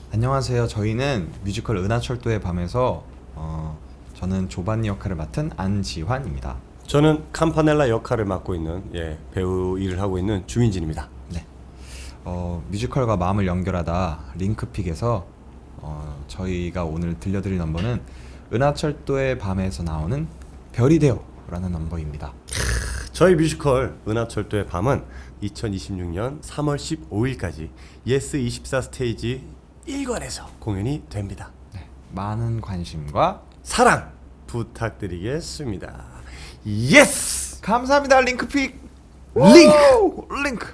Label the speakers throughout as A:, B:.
A: 안녕하세요. 저희는 뮤지컬 은하철도의 밤에서 저는 조반니 역할을 맡은 안지환입니다.
B: 저는 campanella 역할을 맡고 있는 배우 일을 하고 있는 주민진입니다.
A: 네. 뮤지컬과 마음을 연결하다 링크픽에서 저희가 오늘 들려드릴 넘버는 은하철도의 밤에서 나오는 별이 되어라는 넘버입니다.
B: 저희 뮤지컬 은하철도의 밤은 2026년 3월 15일까지 예스24 스테이지 1관에서 공연이 됩니다.
A: 네. 많은 관심과
B: 사랑 부탁드리겠습니다. 예스!
A: 감사합니다. 링크픽. 링크.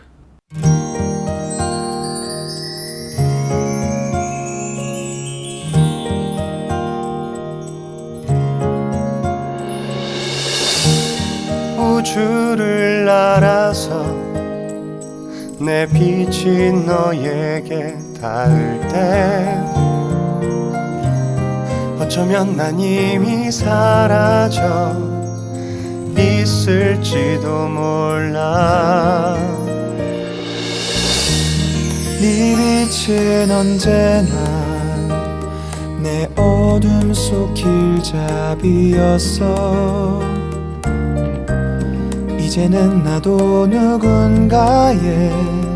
B: 우주를 날아서 내 빛이 너에게 닿을 때 어쩌면 난 이미 사라져 있을지도 몰라.
C: 네 빛은 언제나 내 어둠 속 길잡이였어. 이제는 나도 누군가의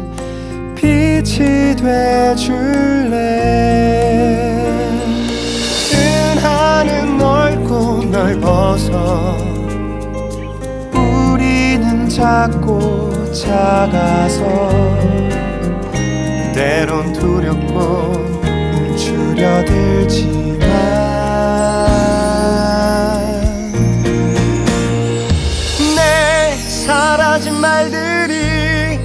C: 빛이 돼줄래.
B: 은하는 넓고 넓어서
C: 우리는 작고 작아서
B: 때론 두렵고
C: 움츠려들지만
B: 내 사라진 말들이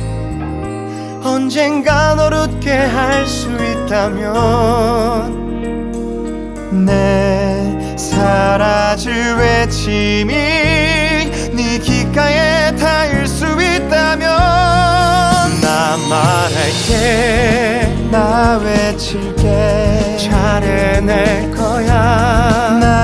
B: 언젠가 널 웃게 할 수 있다면
C: 내 사라질 외침이 네 귓가에 닿을 수 있다면
B: 나 말할게,
C: 나 외칠게,
B: 잘 해낼 거야.
C: 나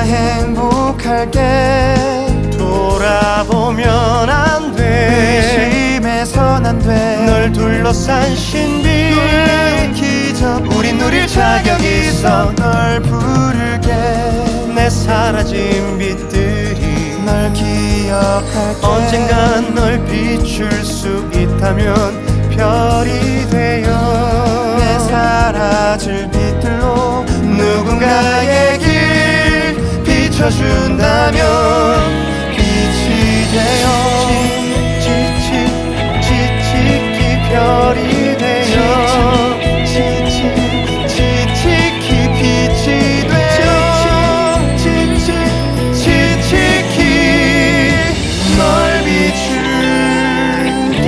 C: 행복할게.
B: 돌아보면 안 돼,
C: 의심해선 안 돼.
B: 널 둘러싼 신비
C: 기적
B: 우린 누릴 자격이 있어.
C: 널 부를게.
B: 내 사라진 빛들이
C: 널 기억할게.
B: 언젠간 널 비출 수 있다면 별이 되어
C: 내 사라질 빛들로
B: 누군가의 길 비춰준다면 빛이 되어 지치기 별이 되어 지치기 빛이 되어 지치기 널 비출게.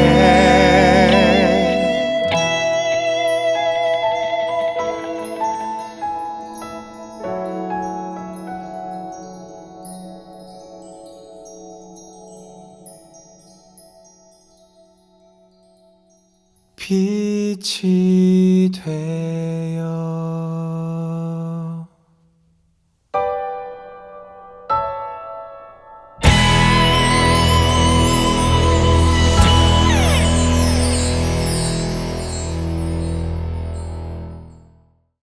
C: 빛이 돼.